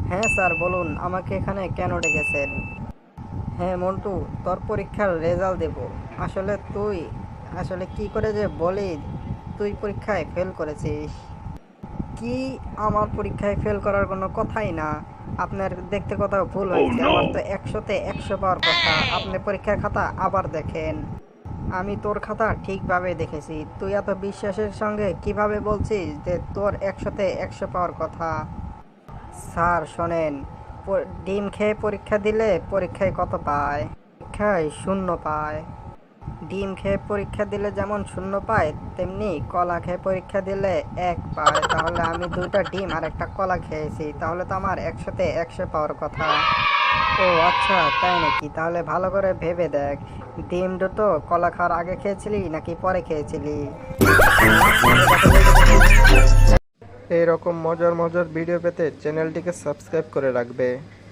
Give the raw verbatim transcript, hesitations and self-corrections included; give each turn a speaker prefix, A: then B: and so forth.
A: হ্যাঁ স্যার বলুন, আমাকে এখানে কেন ডেকেছেন? হ্যাঁ মন্টু, তোর পরীক্ষার রেজাল্ট দেব। আসলে তুই আসলে কি করে যে বলি, তুই পরীক্ষায় ফেল করেছিস। কি? আমার পরীক্ষায় ফেল করার কোনো কথাই না। আপনার দেখতে কোথাও ভুল হয়েছে, আমার তো একশোতে একশো পাওয়ার কথা। আপনি পরীক্ষার খাতা আবার দেখেন। আমি তোর খাতা ঠিকভাবে দেখেছি। তুই এত বিশ্বাসের সঙ্গে কিভাবে বলছিস যে তোর একশোতে একশো পাওয়ার কথা? স্যার শোনেন, প- ডিম খেয়ে পরীক্ষা দিলে পরীক্ষায় কত পায়? পরীক্ষায় শূন্য পায়। ডিম খেয়ে পরীক্ষা দিলে যেমন শূন্য পায়, তেমনি কলা খেয়ে পরীক্ষা দিলে এক পায়। তাহলে আমি দুইটা ডিম আর একটা কলা খেয়েছি, তাহলে তো আমার একশোতে একশো পাওয়ার কথা। ও আচ্ছা, তাই নাকি? তাহলে ভালো করে ভেবে দেখ, ডিম দুটো কলা খাওয়ার আগে খেয়েছিলি নাকি পরে খেয়েছিলি? হ্যাঁ, আগে কথা বলতে দেখি।
B: এই রকম মজার মজার ভিডিও পেতে চ্যানেলটিকে সাবস্ক্রাইব করে রাখবে।